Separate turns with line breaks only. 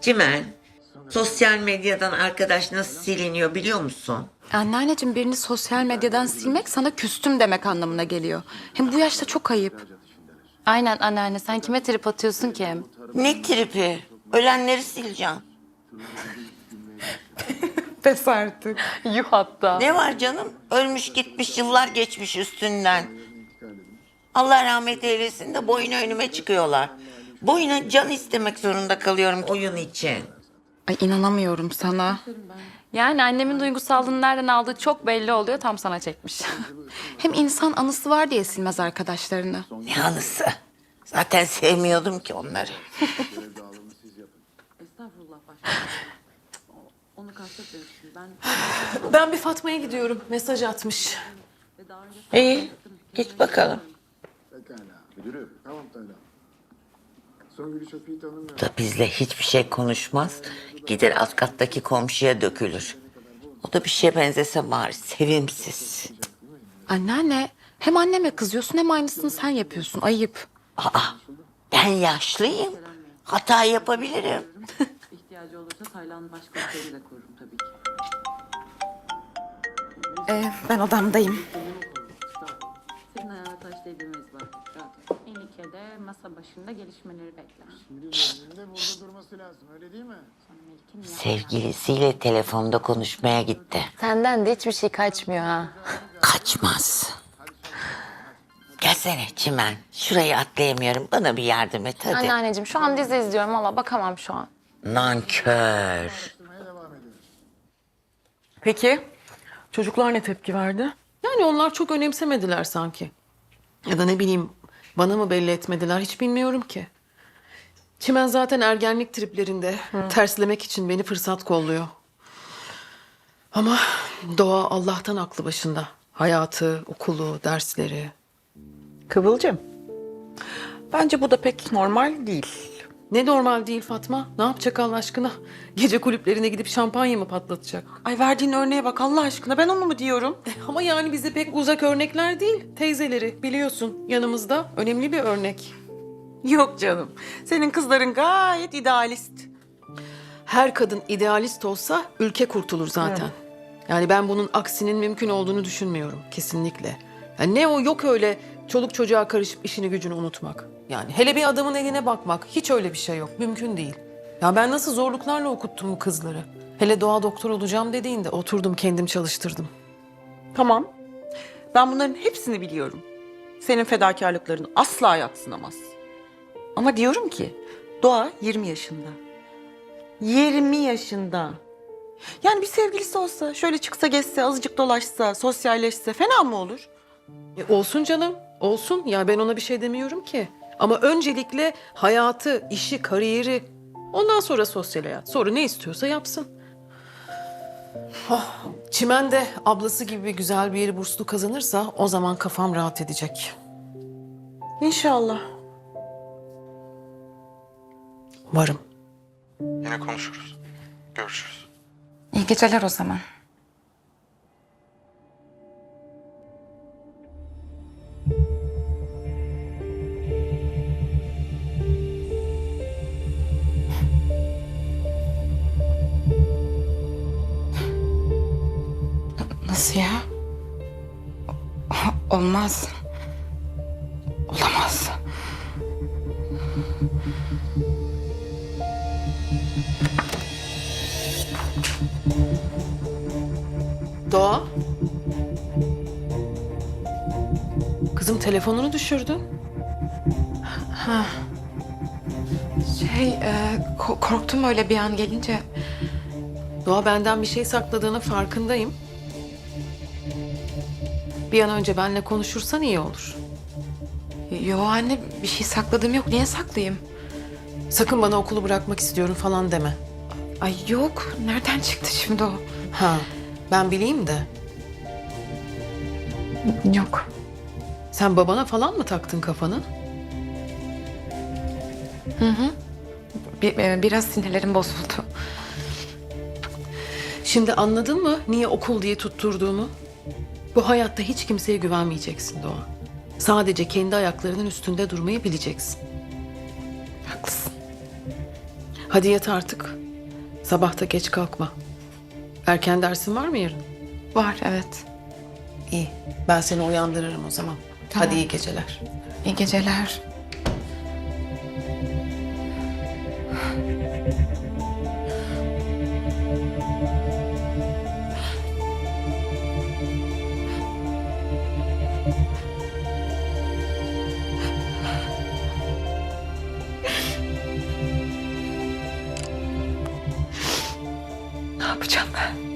Cimen, sosyal medyadan arkadaş nasıl siliniyor biliyor musun?
Anneanneciğim birini sosyal medyadan silmek sana küstüm demek anlamına geliyor. Hem bu yaşta çok ayıp.
Aynen anneanne, sen kime trip atıyorsun ki hem?
Ne tripi? Ölenleri sileceğim.
Pes artık.
Yuh hatta.
Ne var canım? Ölmüş gitmiş, yıllar geçmiş üstünden. Allah rahmet eylesin de boyuna önüme çıkıyorlar. Boyuna can istemek zorunda kalıyorum oyun için.
Ay inanamıyorum sana.
Yani annemin duygusallığını nereden aldığı çok belli oluyor, tam sana çekmiş.
Hem insan anısı var diye silmez arkadaşlarını.
Ne anısı? Zaten sevmiyordum ki onları.
Ben bir Fatma'ya gidiyorum. Mesaj atmış.
İyi, git bakalım.
Pekala. Müdürüm. Tamam Taylan. Songül'ü çok iyi tanımıyorum.
Da bizle hiçbir şey konuşmaz. Gider alt kattaki komşuya dökülür. O da bir şeye benzese bari sevimsiz.
Anneanne hem anneme kızıyorsun hem aynısını sen yapıyorsun. Ayıp.
Aa, ben yaşlıyım. Hata yapabilirim.
İhtiyacı olursa Taylan'ın başkomiseri de korurum tabii ki.
Ben odamdayım.
Senin ayağına taş değdirmeyiz bak. Rahat ol.
İlike de masa başında gelişmeleri bekler.
Şimdi de burada durması lazım. Öyle değil mi?
Sevgilisiyle telefonda konuşmaya gitti.
Senden de hiçbir şey kaçmıyor ha.
Kaçmaz. Gelsene Çimen. Şurayı atlayamıyorum. Bana bir yardım et hadi.
Anneanneciğim şu an dizi izliyorum ama bakamam şu an.
Nankör.
Peki çocuklar ne tepki verdi? Yani onlar çok önemsemediler sanki. Ya da ne bileyim bana mı belli etmediler hiç bilmiyorum ki. Çimen zaten ergenlik triplerinde terslemek için beni fırsat kolluyor. Ama Doğa Allah'tan aklı başında. Hayatı, okulu, dersleri.
Kıvılcım. Bence bu da pek normal değil.
Ne normal değil Fatma. Ne yapacak Allah aşkına? Gece kulüplerine gidip şampanya mı patlatacak?
Ay verdiğin örneğe bak Allah aşkına ben onu mu diyorum?
Ama yani bize pek uzak örnekler değil. Teyzeleri biliyorsun yanımızda önemli bir örnek.
Yok canım. Senin kızların gayet idealist.
Her kadın idealist olsa ülke kurtulur zaten. Yani ben bunun aksinin mümkün olduğunu düşünmüyorum kesinlikle. Yani ne o yok öyle çoluk çocuğa karışıp işini gücünü unutmak. Yani hele bir adamın eline bakmak hiç öyle bir şey yok. Mümkün değil. Ya ben nasıl zorluklarla okuttum bu kızları. Hele Doğa doktor olacağım dediğinde oturdum kendim çalıştırdım.
Tamam. Ben bunların hepsini biliyorum. Senin fedakarlıkların asla yadsınamaz. Ama diyorum ki Doğa 20 yaşında. 20 yaşında. Yani bir sevgilisi olsa, şöyle çıksa gezse, azıcık dolaşsa, sosyalleşse fena mı olur?
Olsun canım, olsun. Ya ben ona bir şey demiyorum ki. Ama öncelikle hayatı, işi, kariyeri, ondan sonra sosyal hayat. Sonra ne istiyorsa yapsın. Oh, Çimen de ablası gibi güzel bir yeri burslu kazanırsa o zaman kafam rahat edecek.
İnşallah.
Varım.
Yine konuşuruz. Görüşürüz.
İyi geceler o zaman. Nasıl ya? Olmaz. Olamaz.
Doğa. Kızım telefonunu düşürdün.
Korktum öyle bir an gelince.
Doğa benden bir şey sakladığının farkındayım. Bir an önce benimle konuşursan iyi olur.
Yo anne bir şey sakladığım yok. Niye saklayayım?
Sakın bana okulu bırakmak istiyorum falan deme.
Ay yok. Nereden çıktı şimdi o?
Ha, ben bileyim de.
Yok.
Sen babana falan mı taktın kafanı?
Biraz sinirlerim bozuldu.
Şimdi anladın mı niye okul diye tutturduğumu? Bu hayatta hiç kimseye güvenmeyeceksin Doğa. Sadece kendi ayaklarının üstünde durmayı bileceksin.
Haklısın.
Hadi yat artık. Sabah da geç kalkma. Erken dersin var mı yarın?
Var, evet.
İyi. Ben seni uyandırırım o zaman.
Tamam.
Hadi iyi geceler.
İyi geceler. Ne yapacağım ben?